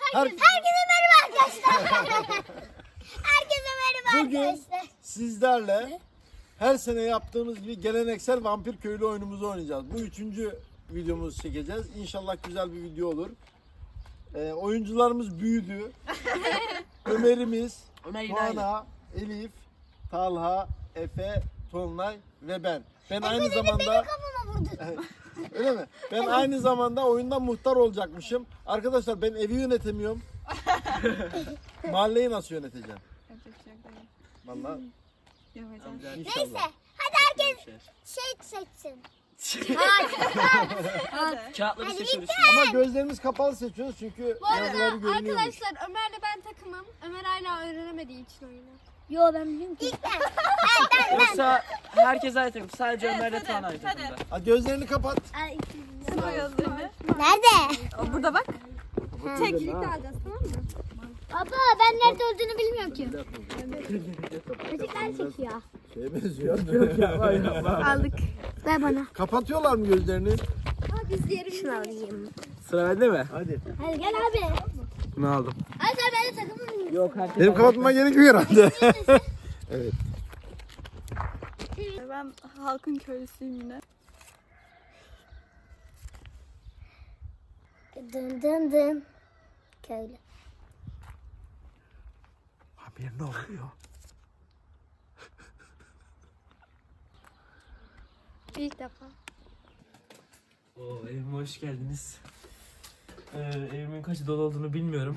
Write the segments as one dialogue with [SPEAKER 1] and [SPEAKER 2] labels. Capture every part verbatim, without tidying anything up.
[SPEAKER 1] Herkese merhaba arkadaşlar. Herkese merhaba
[SPEAKER 2] Bugün
[SPEAKER 1] arkadaşlar.
[SPEAKER 2] sizlerle her sene yaptığımız gibi geleneksel vampir köylü oyunumuzu oynayacağız. Bu üçüncü videomuzu çekeceğiz. İnşallah güzel bir video olur. Ee, oyuncularımız büyüdü. Ömer'imiz,
[SPEAKER 3] Ömer
[SPEAKER 2] Tuana, Elif, Talha, Efe, Tolunay ve ben. Ben aynı zamanda...
[SPEAKER 1] Kafama vurdu.
[SPEAKER 2] Öyle mi? Ben aynı zamanda oyundan muhtar olacakmışım. Arkadaşlar ben evi yönetemiyorum. Mahalleyi nasıl yöneteceğim? Vallahi
[SPEAKER 1] Neyse
[SPEAKER 2] inşallah.
[SPEAKER 1] hadi herkes şey seçsin.
[SPEAKER 3] Kağıtları
[SPEAKER 1] Hadi
[SPEAKER 3] seçiyoruz.
[SPEAKER 2] Ama gözlerimiz kapalı seçiyoruz çünkü
[SPEAKER 4] Bu arada
[SPEAKER 2] yazıları görünüyormuş.
[SPEAKER 4] arkadaşlar Ömer'le ben takımım. Ömer hala öğrenemediği için oyunu.
[SPEAKER 1] Yo ben biliyorum ki. İlk ben.
[SPEAKER 3] Yoksa herkes aynı takım. Sadece Ömer'le Tuğan aynı takımda.
[SPEAKER 2] Ha, gözlerini kapat.
[SPEAKER 1] Ay,
[SPEAKER 4] Nerede?
[SPEAKER 1] nerede?
[SPEAKER 4] Burada bak. Tek
[SPEAKER 2] Ha.
[SPEAKER 4] birlikte alacağız, tamam mı?
[SPEAKER 1] Baba ben nerede olduğunu bilmiyorum ki. Çocuklar çekiyor.
[SPEAKER 2] Şeye benziyor.
[SPEAKER 4] Aldık.
[SPEAKER 1] Ver bana.
[SPEAKER 2] Kapatıyorlar mı gözlerini?
[SPEAKER 4] Biz diğeri
[SPEAKER 1] Şunu alayım.
[SPEAKER 3] Sıra bende mi?
[SPEAKER 2] Hadi.
[SPEAKER 1] Hadi gel abi.
[SPEAKER 3] Bunu aldım.
[SPEAKER 1] Hadi sen ben de takımım.
[SPEAKER 3] Yok herkes.
[SPEAKER 2] Benim kapatmama gerek yok herhalde. Evet.
[SPEAKER 4] Ben halkın köylüsüyüm yine.
[SPEAKER 1] Dın dın dın. Köylü.
[SPEAKER 2] Abi ne oluyor?
[SPEAKER 4] İlk defa.
[SPEAKER 3] Oo, evime hoş geldiniz. Ee, evimin kaç dolu olduğunu bilmiyorum.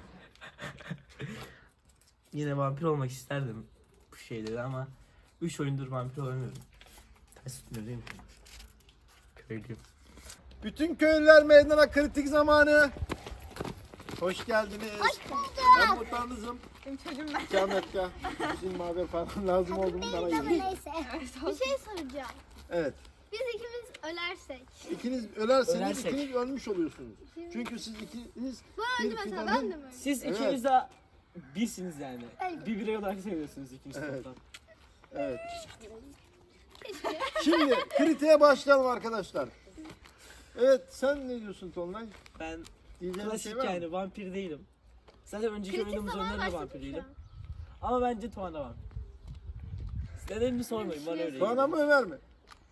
[SPEAKER 3] Yine vampir olmak isterdim bu şeyleri ama üç oyundur vampir olamıyorum. Ters tutmuyor değil mi? Köylüyüm.
[SPEAKER 2] Bütün köylüler meydana, kritik zamanı. Hoş geldiniz.
[SPEAKER 1] Hoş bulduk.
[SPEAKER 2] Ben muhtarınızım.
[SPEAKER 4] Benim çocuğum ben.
[SPEAKER 2] İki dakika. Bizim haber falan lazım oldu mu bana
[SPEAKER 1] Değil ama
[SPEAKER 2] gelin.
[SPEAKER 1] neyse.
[SPEAKER 4] Bir şey soracağım.
[SPEAKER 2] Evet.
[SPEAKER 4] Biz ikimiz ölersek.
[SPEAKER 2] İkiniz ölerseniz
[SPEAKER 3] Ölersek.
[SPEAKER 2] ikiniz ölmüş oluyorsunuz. Çünkü siz ikiniz
[SPEAKER 4] Bu öldü
[SPEAKER 2] bir
[SPEAKER 4] mesela,
[SPEAKER 2] fidanın-
[SPEAKER 4] ben de mi öldüm?
[SPEAKER 3] Siz
[SPEAKER 2] Evet.
[SPEAKER 3] ikiniz de birsiniz yani.
[SPEAKER 4] Öyle.
[SPEAKER 3] Bir birey olarak seviyorsunuz ikiniz
[SPEAKER 2] Evet.
[SPEAKER 3] toplam.
[SPEAKER 2] Evet. Şimdi kritiğe başlayalım arkadaşlar. Evet, sen ne diyorsun Tolunay?
[SPEAKER 3] Ben
[SPEAKER 2] Diyeceğin bir
[SPEAKER 3] klasik
[SPEAKER 2] şey var mı?
[SPEAKER 3] yani vampir değilim. Zaten önceki
[SPEAKER 4] Kritik
[SPEAKER 3] oyunumuz
[SPEAKER 4] zaman
[SPEAKER 3] önlerinde
[SPEAKER 4] başladık
[SPEAKER 3] vampir
[SPEAKER 4] şu
[SPEAKER 3] değilim.
[SPEAKER 4] an.
[SPEAKER 3] Ama bence Tuana vampir. Nedenini sormayın bana öyle
[SPEAKER 2] Tuana
[SPEAKER 3] geliyor.
[SPEAKER 2] mı Ömer mi?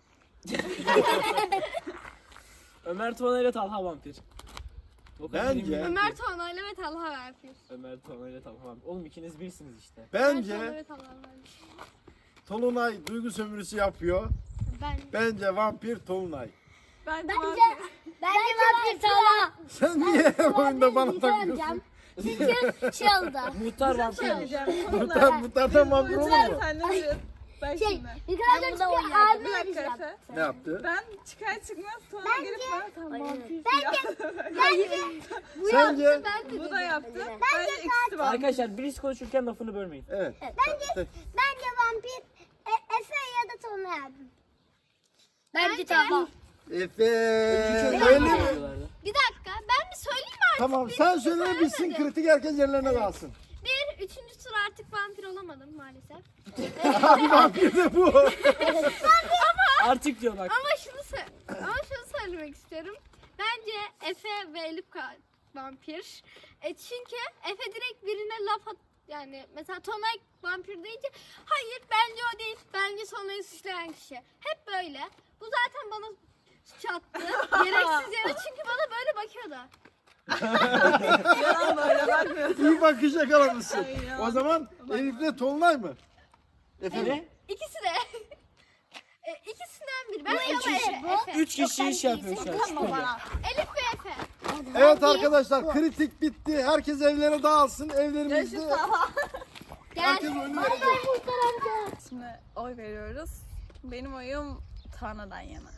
[SPEAKER 3] Ömer Tuana ile Talha vampir. O kadar
[SPEAKER 2] Bence-
[SPEAKER 3] eminim ki.
[SPEAKER 4] Ömer Tuana'yla ve Talha vampir.
[SPEAKER 3] Ömer Tuana ile Talha vampir. Oğlum ikiniz birsiniz işte.
[SPEAKER 4] Ömer Tuana
[SPEAKER 2] Bence
[SPEAKER 4] ve Talha vampir.
[SPEAKER 2] Tolunay duygu sömürüsü yapıyor.
[SPEAKER 4] Ben.
[SPEAKER 2] Bence vampir Tolunay.
[SPEAKER 4] Ben
[SPEAKER 1] Bence bence vampir Talha.
[SPEAKER 2] Sen niye oyunda bana
[SPEAKER 1] Vampir
[SPEAKER 2] takıyorsun?
[SPEAKER 1] olacağım. Çünkü şey oldu.
[SPEAKER 3] Muhtar vampir.
[SPEAKER 2] Muhtar, muhtardan vampir olur mu?
[SPEAKER 5] Sen de biraz. Ben
[SPEAKER 1] Şey,
[SPEAKER 5] şimdi.
[SPEAKER 1] yukarıda çıkıyor
[SPEAKER 5] Bir
[SPEAKER 1] abi
[SPEAKER 5] dakika
[SPEAKER 1] öleceğim.
[SPEAKER 5] Efe.
[SPEAKER 2] Ne yaptı?
[SPEAKER 5] Ben çıkar çıkmaz sonra gelip bana tam vampir
[SPEAKER 2] Sence?
[SPEAKER 5] Bu da yaptı. Bence ikisi var.
[SPEAKER 3] Arkadaşlar birisi konuşurken lafını bölmeyin.
[SPEAKER 2] Evet.
[SPEAKER 1] Bence bence vampir e, Efe ya da Tolunay abi. Bence Talha.
[SPEAKER 2] Efe.
[SPEAKER 3] Öyle
[SPEAKER 2] Öyle mi?
[SPEAKER 3] yapıyorlardı.
[SPEAKER 4] Bir dakika, ben bir söyleyeyim mi artık?
[SPEAKER 2] Tamam sen söyle bitsin, kritik herkes yerlerine kalsın.
[SPEAKER 4] Bir, üçüncü tur artık vampir olamadım maalesef.
[SPEAKER 2] Abi vampir de bu.
[SPEAKER 3] Artık diyor bak.
[SPEAKER 4] Ama şunu sö- ama şunu söylemek istiyorum. Bence Efe ve Elif ka- vampir. E çünkü Efe direkt birine laf at, yani mesela Tonay vampir deyince hayır bence o değil. Bence Tonay'ı suçlayan kişi. Hep böyle. Bu zaten bana çattı. Gereksiz yere çünkü bana böyle bakıyordu.
[SPEAKER 5] Yalan böyle bakmıyorsun.
[SPEAKER 2] İyi bakış yakalamışsın.
[SPEAKER 5] Ay ya.
[SPEAKER 2] O zaman Elif'le Tolunay mı? Efe.
[SPEAKER 3] Ne?
[SPEAKER 4] İkisi de. e, ikisinden biri. Bence ama Efe. Efe.
[SPEAKER 3] Üç kişi iş yapıyor şu an. Şüpheli.
[SPEAKER 4] Elif ve Efe.
[SPEAKER 2] Evet arkadaşlar kritik bitti. Herkes evlere dağılsın. Evlerimizde herkes oyunu verecek.
[SPEAKER 5] Şimdi oy veriyoruz. Benim oyum Tanrı'dan yana.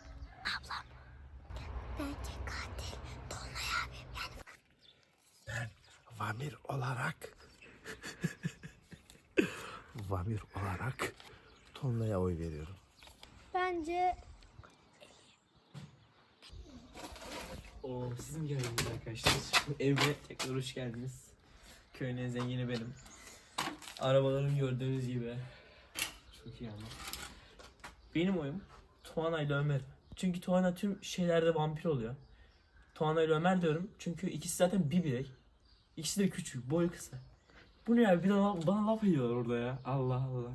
[SPEAKER 1] Bence katil Tolunay abi. Yani
[SPEAKER 2] Vamir olarak Vamir olarak Tolunay'a oy veriyorum.
[SPEAKER 4] Bence
[SPEAKER 3] Oo, siz mi geldiniz arkadaşlar? Evime tekrar hoş geldiniz. Köyün en zengini benim. Arabalarım gördüğünüz gibi. Çok iyi ama. Benim oyum Tuana ile Ömer. Çünkü Tuana tüm şeylerde vampir oluyor. Tuana ile Ömer diyorum çünkü ikisi zaten bir birey. İkisi de küçük, boy kısa. Bu ne ya? Bir de la- bana laf ediyorlar orada ya. Allah Allah.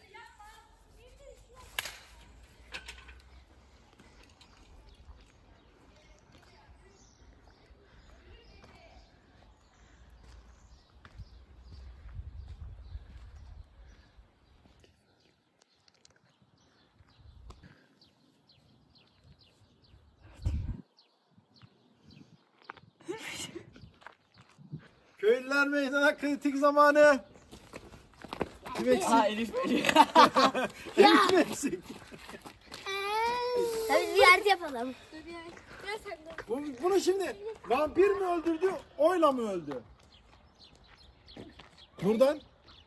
[SPEAKER 2] Köylüler meydana, kritik zamanı. Kim eksik?
[SPEAKER 3] Ha Elif Elif.
[SPEAKER 2] Elif mi eksik?
[SPEAKER 1] Hadi ziyaret yapalım.
[SPEAKER 4] Gel sen de.
[SPEAKER 2] Bu, bunu şimdi vampir mi öldürdü, oyla mı öldü? Buradan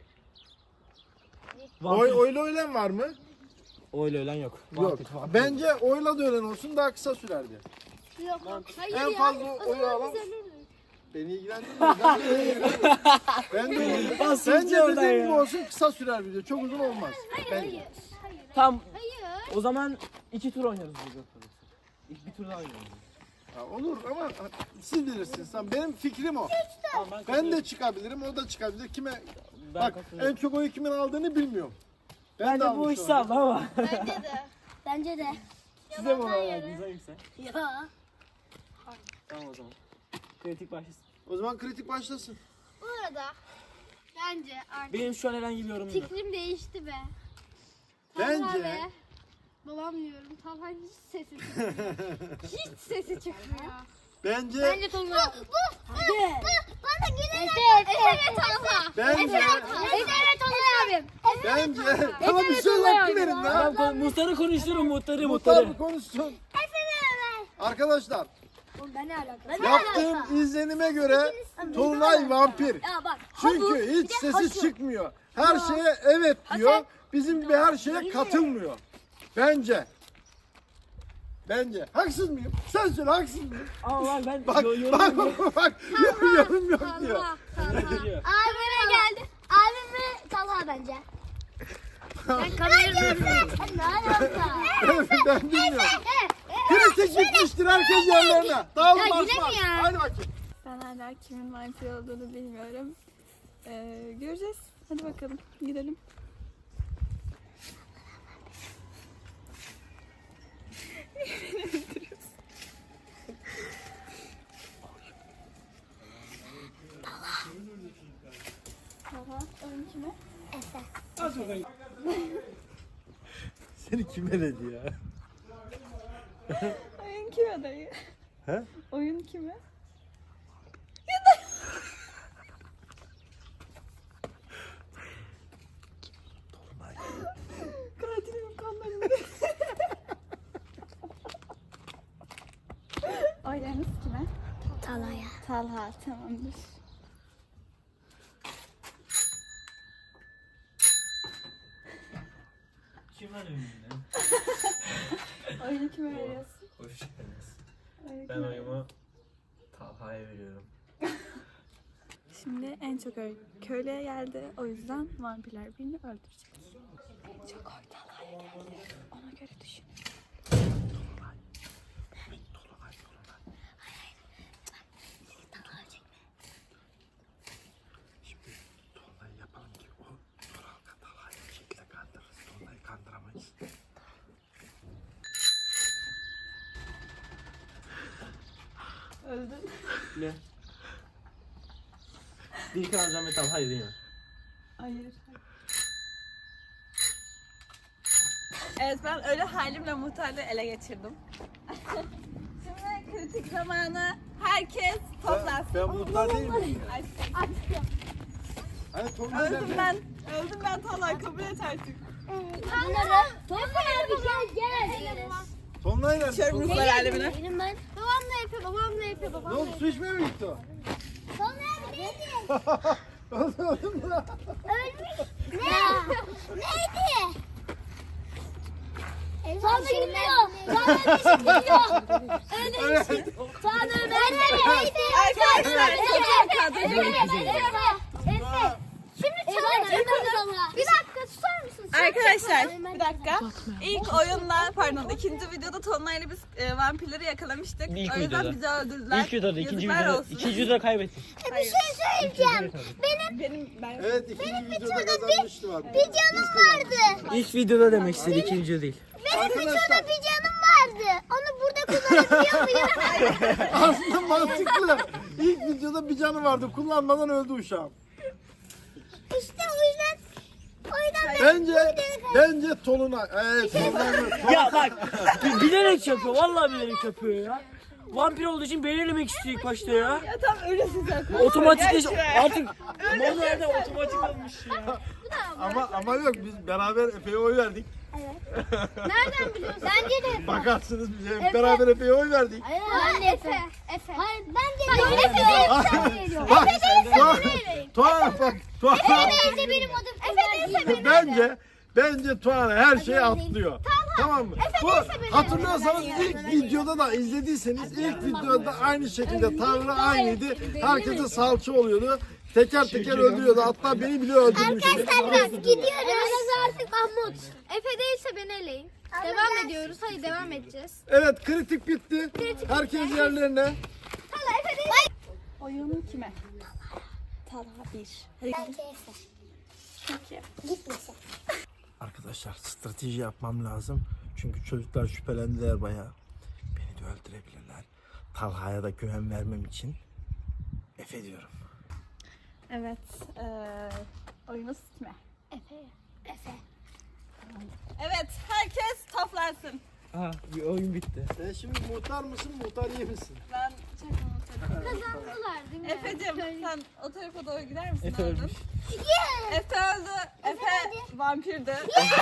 [SPEAKER 2] oy, oyla ölen var mı?
[SPEAKER 3] Öyle ölen yok.
[SPEAKER 2] Yok. Bence oyla da ölen olsun, daha kısa sürerdi.
[SPEAKER 4] Yok yok. Hayır
[SPEAKER 2] En
[SPEAKER 4] ya.
[SPEAKER 2] fazla
[SPEAKER 4] O
[SPEAKER 2] oyu
[SPEAKER 4] zaman
[SPEAKER 2] alan
[SPEAKER 4] biz ölürüz.
[SPEAKER 2] beni ilgilendirmiyor. Ben de öyle ilgilenmiyorum. Ben de öyle.
[SPEAKER 3] Nasıl
[SPEAKER 2] Bence
[SPEAKER 3] oradan
[SPEAKER 2] dediğim gibi
[SPEAKER 3] ya?
[SPEAKER 2] olsun, kısa sürer video. Çok uzun olmaz. Bence.
[SPEAKER 4] Hayır. Hayır.
[SPEAKER 3] Tam
[SPEAKER 4] Hayır.
[SPEAKER 3] o zaman iki tur oynarız burada. İlk bir tur daha oynarız.
[SPEAKER 2] Ha, olur ama siz bilirsiniz. Tamam, benim fikrim o.
[SPEAKER 3] Tamam,
[SPEAKER 2] Ben de çıkabilirim, o da çıkabilir. Kime
[SPEAKER 3] Ben
[SPEAKER 2] bak
[SPEAKER 3] katılıyorum.
[SPEAKER 2] en çok oyu kimin aldığını bilmiyorum. Ben de
[SPEAKER 3] Bence bu
[SPEAKER 2] almışım
[SPEAKER 3] iş sağlam ama.
[SPEAKER 4] Bence de.
[SPEAKER 1] Bence de.
[SPEAKER 3] Size mi ona verdiniz hangisi?
[SPEAKER 1] Ya.
[SPEAKER 3] Tamam o zaman. Kritik başlasın.
[SPEAKER 2] O zaman kritik başlasın.
[SPEAKER 4] Bu arada bence artık
[SPEAKER 3] Benim şu an herhangi bir yorumum yok.
[SPEAKER 4] fikrim değişti be.
[SPEAKER 2] Bence-
[SPEAKER 4] Talha ve babam diyorum. Talha hiç sesi çıkmıyor. Hiç sesi çıkmıyor.
[SPEAKER 2] Bence
[SPEAKER 4] Bence Talha.
[SPEAKER 1] Hadi.
[SPEAKER 4] Bana gelen
[SPEAKER 1] Efe,
[SPEAKER 4] Efe ve Talha.
[SPEAKER 2] bence
[SPEAKER 1] Efe ve Tolay abim.
[SPEAKER 2] bence tamam bir söz hakkı verin lan.
[SPEAKER 3] Tamam kon- muhtarı konuşturun muhtarı
[SPEAKER 2] Muhtar
[SPEAKER 3] muhtarı.
[SPEAKER 2] bir konuşsun. Arkadaşlar
[SPEAKER 1] Oğlum ben ne alaka?
[SPEAKER 2] yaptığım izlenime göre Tolunay vampir.
[SPEAKER 1] Ya bak.
[SPEAKER 2] Çünkü hiç sesi çıkmıyor. Her şeye evet diyor. Bizim gibi her şeye katılmıyor. Bence. Bence. Haksız mıyım? Sen söyle, haksız mıyım?
[SPEAKER 3] Ama bak ben
[SPEAKER 2] Bak
[SPEAKER 3] yo- yorumum
[SPEAKER 2] bak
[SPEAKER 3] yok.
[SPEAKER 2] bak, bak yorum, yorum yok diyor.
[SPEAKER 4] Talha. Talha.
[SPEAKER 3] Diyor.
[SPEAKER 1] Abime geldi. Abim ve Talha bence. Ben kamerayı Ne alaka?
[SPEAKER 2] Ben bilmiyorum. Kritik bitmiştir, herkes yerlerine. Dağılın
[SPEAKER 1] Ya
[SPEAKER 2] Osman.
[SPEAKER 1] yine mi ya?
[SPEAKER 2] Hadi bakayım.
[SPEAKER 5] Ben hala kimin vampir olduğunu bilmiyorum. Ee, göreceğiz. Hadi bakalım gidelim. Tamam. Oyun kime?
[SPEAKER 2] Seni kim eledi ya?
[SPEAKER 5] Oyun kime dayı?
[SPEAKER 2] He?
[SPEAKER 5] Oyun kime? Katilimin kanlarını. Oylarınız kime?
[SPEAKER 1] Talha'ya.
[SPEAKER 5] Talha, tamamdır.
[SPEAKER 3] Kim var önünde?
[SPEAKER 5] Oyunu kime veriyorsun?
[SPEAKER 3] Hoş geldiniz.
[SPEAKER 5] Oyunu
[SPEAKER 3] Ben
[SPEAKER 5] kime
[SPEAKER 3] oyumu Talha'ya veriyorum.
[SPEAKER 5] Şimdi en çok öyle köylüye geldi. O yüzden vampirler birini öldürecek. En çok oy Talha'ya geldi. Ona göre düşün.
[SPEAKER 2] Şimdi Tolunay'ı yapalım ki o Toral'da Talha'yı bir şekilde kandırırız. Tolunay'ı kandıramayız.
[SPEAKER 5] Öldün.
[SPEAKER 3] Ne? Dilkan Azam ve Talha'yı değil mi?
[SPEAKER 5] Hayır. Evet, ben öyle halimle muhtarlığı ele geçirdim. Şimdi kritik zamanı, herkes toplansın.
[SPEAKER 2] Ben muhtar değil miyim?
[SPEAKER 5] Ay,
[SPEAKER 2] Hani Tolunay
[SPEAKER 5] öldüm
[SPEAKER 2] nerede?
[SPEAKER 5] ben. Öldüm ben Talha, kabul et artık.
[SPEAKER 1] Tolay abi gel gel.
[SPEAKER 2] Tolunay nerede?
[SPEAKER 5] Şöyle
[SPEAKER 2] Tolunay-
[SPEAKER 5] ruhlar alemine.
[SPEAKER 1] Benim ben.
[SPEAKER 4] Babam ne yapıyor? Babam ne yapıyor?
[SPEAKER 2] Ne
[SPEAKER 4] Babam
[SPEAKER 2] oldu, su içmeye mi gitti o?
[SPEAKER 1] Tolay abi neydi?
[SPEAKER 2] Oldu oldu mu?
[SPEAKER 1] Ölmüş. Ne? Neydi? Tanrı gülüyor. Tanrı ışık gülüyor. Öyle ışık. Tanrı ben neydi?
[SPEAKER 5] Arkadaşlar,
[SPEAKER 1] Efe. Efe. Efe. Şimdi çalalım. Bir dakika susar mısın
[SPEAKER 5] Arkadaşlar bir dakika. İlk oyunda pardon ikinci videoda Tonlay'la biz e, vampirleri yakalamıştık.
[SPEAKER 3] İlk
[SPEAKER 5] o yüzden
[SPEAKER 3] videoda.
[SPEAKER 5] bizi öldürdüler.
[SPEAKER 3] İlk videoda, ikinci
[SPEAKER 5] Yazıklar
[SPEAKER 3] videoda,
[SPEAKER 5] olsun.
[SPEAKER 3] ikinci videoda kaybettik.
[SPEAKER 1] Bir şey söyleyeceğim. Benim
[SPEAKER 5] Benim ben
[SPEAKER 2] Evet ikinci videoda kazanmıştı var.
[SPEAKER 1] bir canım vardı.
[SPEAKER 3] İlk videoda demek istedi, ikinci video değil.
[SPEAKER 1] Benim bir
[SPEAKER 2] Arkadaşlar
[SPEAKER 1] şurada bir canım vardı. Onu burada kullanabiliyor muyum?
[SPEAKER 2] aslında mantıklı. İlk videoda bir canı vardı. Kullanmadan öldü uşağım.
[SPEAKER 1] İşte o yüzden o yüzden ben
[SPEAKER 2] Bence bence Tolunay. Evet Tolunay.
[SPEAKER 3] Ya bak, bi- bilerek yapıyor, vallahi bilerek yapıyor ya. Vampir olduğu için belirlemek istiyor ilk başta ya.
[SPEAKER 5] ya tam ölüsün zaten.
[SPEAKER 3] Otomatikleş artık manuelde otomatik olmuş ya.
[SPEAKER 2] Ama ama yok biz beraber Efe'ye oy verdik.
[SPEAKER 4] Nereden biliyorsun?
[SPEAKER 1] bence de
[SPEAKER 2] Bakarsınız biz hep beraber Efe'ye oy verdik.
[SPEAKER 1] Hayır,
[SPEAKER 4] Ben de Efe. Efe.
[SPEAKER 1] hayır bence de
[SPEAKER 4] Hayır,
[SPEAKER 1] Efe
[SPEAKER 4] Efe
[SPEAKER 1] değilse veriyor.
[SPEAKER 2] Bak
[SPEAKER 1] Efe
[SPEAKER 2] Tuğan,
[SPEAKER 1] değilse
[SPEAKER 2] Tuğan bak Tuğan.
[SPEAKER 1] Efe değilse benim adım Efe değilse
[SPEAKER 2] Bence bence Tuğan her şeyi atlıyor. Tamam mı? Bu hatırlıyorsanız ilk videoda da izlediyseniz ilk videoda aynı şekilde Tanrı aynıydı. Herkese salça oluyordu. Teker teker öldürüyordu. Hatta beni bile öldürmüştü.
[SPEAKER 1] Serbest gidiyoruz. artık Mahmut.
[SPEAKER 4] Efe değilse beni eleyin. Devam ediyoruz. Hadi devam edeceğiz.
[SPEAKER 2] Evet kritik bitti. Herkes yerlerine.
[SPEAKER 4] Hala Efe değil.
[SPEAKER 5] Oyun kime? Talha bir. Hadi
[SPEAKER 1] Bence Efe.
[SPEAKER 5] çünkü.
[SPEAKER 1] Gitmesin.
[SPEAKER 2] Arkadaşlar strateji yapmam lazım. Çünkü çocuklar şüphelendiler bayağı. Beni de öldürebilirler. Talha'ya da güven vermem için Efe diyorum.
[SPEAKER 5] Evet. eee oyunuz kime?
[SPEAKER 1] Efe. Efe.
[SPEAKER 5] Evet herkes toplansın.
[SPEAKER 3] Aha, bir oyun bitti.
[SPEAKER 2] Sen şimdi muhtar mısın, muhtar iyi misin?
[SPEAKER 5] Ben çakmamı çakmam.
[SPEAKER 4] Kazandılar değil mi?
[SPEAKER 5] Efe'cim sen o tarafa doğru gider misin?
[SPEAKER 3] Efe
[SPEAKER 5] oğlum?
[SPEAKER 3] ölmüş.
[SPEAKER 5] Efe öldü. Efe vampirdi.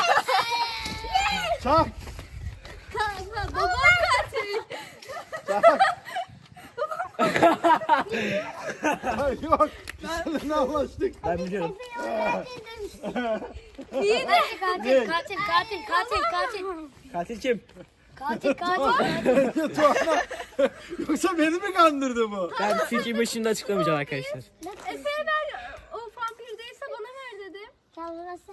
[SPEAKER 2] Çak!
[SPEAKER 4] Kanka babam katil.
[SPEAKER 2] Çak! Ay, yok. Biz seninle anlaştık.
[SPEAKER 3] Ben biliyorum.
[SPEAKER 1] Katil katil katil katil katil katil.
[SPEAKER 3] Katil kim?
[SPEAKER 1] Katil katil.
[SPEAKER 2] Bence Tuğan'a. Yoksa beni mi kandırdı bu?
[SPEAKER 3] Ben fikrimi şimdi açıklamayacağım arkadaşlar.
[SPEAKER 4] Efe'ye ver. O vampir değilse bana ver dedim.
[SPEAKER 1] Sen burası.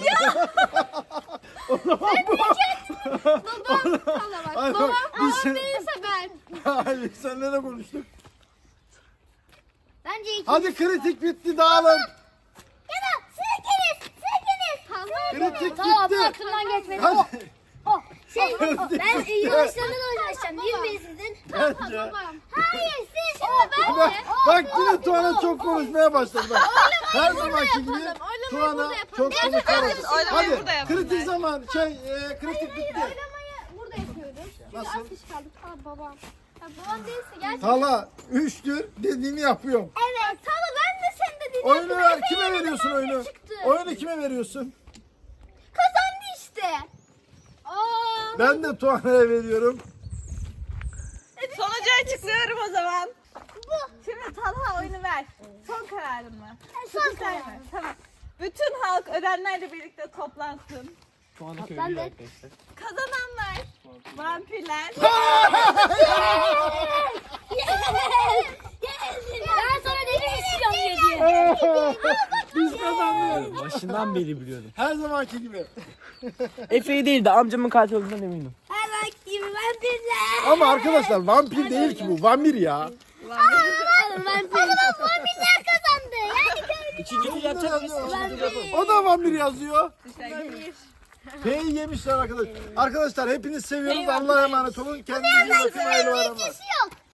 [SPEAKER 4] Babam. Hala bak.
[SPEAKER 2] Ay,
[SPEAKER 4] Babam.
[SPEAKER 2] bak, biz
[SPEAKER 4] Babam
[SPEAKER 2] sen-
[SPEAKER 4] değilse ben.
[SPEAKER 2] Hayır, seninle de konuştuk.
[SPEAKER 1] Bence iki.
[SPEAKER 2] Hadi kritik bitti, dağılın.
[SPEAKER 1] Ya da siz ikiniz. Siz ikiniz.
[SPEAKER 4] Tamam.
[SPEAKER 2] Kritik
[SPEAKER 1] Tamam bu
[SPEAKER 2] bitti.
[SPEAKER 1] aklımdan geçmedi.
[SPEAKER 2] Hadi.
[SPEAKER 1] O şey o, ben e, yavaşlarından uğraşacağım değil mi sizin?
[SPEAKER 2] Bence.
[SPEAKER 4] Babam.
[SPEAKER 1] Hayır siz şimdi ben
[SPEAKER 2] Bak, bak yine Tuğan'a çok konuşmaya başladı. Bak. Her zamanki gibi
[SPEAKER 4] Oylamayı
[SPEAKER 2] Tuğan'a
[SPEAKER 4] burada yapalım.
[SPEAKER 2] çok konuşmaya başladı.
[SPEAKER 5] Oylamayı
[SPEAKER 2] Hadi
[SPEAKER 5] burada yapalım.
[SPEAKER 2] kritik zaman şey e, kritik bitti.
[SPEAKER 4] Oylamayı burada yapıyoruz. Çünkü
[SPEAKER 2] Nasıl?
[SPEAKER 4] az kişi kaldık. Aa babam. Ya babam değilse gerçekten.
[SPEAKER 2] Tala üçtür dediğimi yapıyorum.
[SPEAKER 4] Evet. Tamam ben de sen de dedim.
[SPEAKER 2] Oyunu ver, kime veriyorsun oyunu?
[SPEAKER 4] çıktı.
[SPEAKER 2] Oyunu kime veriyorsun?
[SPEAKER 4] Kazandı işte. Aa.
[SPEAKER 2] Ben de Tuğan'a veriyorum.
[SPEAKER 5] Sonucu açıklıyorum o zaman. Bu. Şimdi Talha oyunu ver. Son kararın mı? Son kararım. Tamam. Bütün halk ölenlerle birlikte toplansın.
[SPEAKER 3] Şu anda köylüyüz arkadaşlar.
[SPEAKER 5] Kazananlar vampirler.
[SPEAKER 1] Ben sana dedim istiyorum diye.
[SPEAKER 2] Biz kazandık.
[SPEAKER 3] Başından beri biliyordum.
[SPEAKER 2] Her zamanki gibi.
[SPEAKER 3] Efe'yi değil de amcamın katil olduğundan eminim.
[SPEAKER 1] Her vakit gibi vampirler.
[SPEAKER 2] Ama arkadaşlar vampir değil ki bu. Vampir ya.
[SPEAKER 1] Vampir. O zaman vampirler kazandı. Yani köylü.
[SPEAKER 3] İkinci tur yapacak mıyız?
[SPEAKER 2] O da vampir yazıyor.
[SPEAKER 5] Vampir.
[SPEAKER 2] P'yi yemişler arkadaşlar. Arkadaşlar hepiniz seviyoruz. Allah'a emanet olun. Kendinize iyi bakın. Hayırlı bayramlar.
[SPEAKER 1] yok.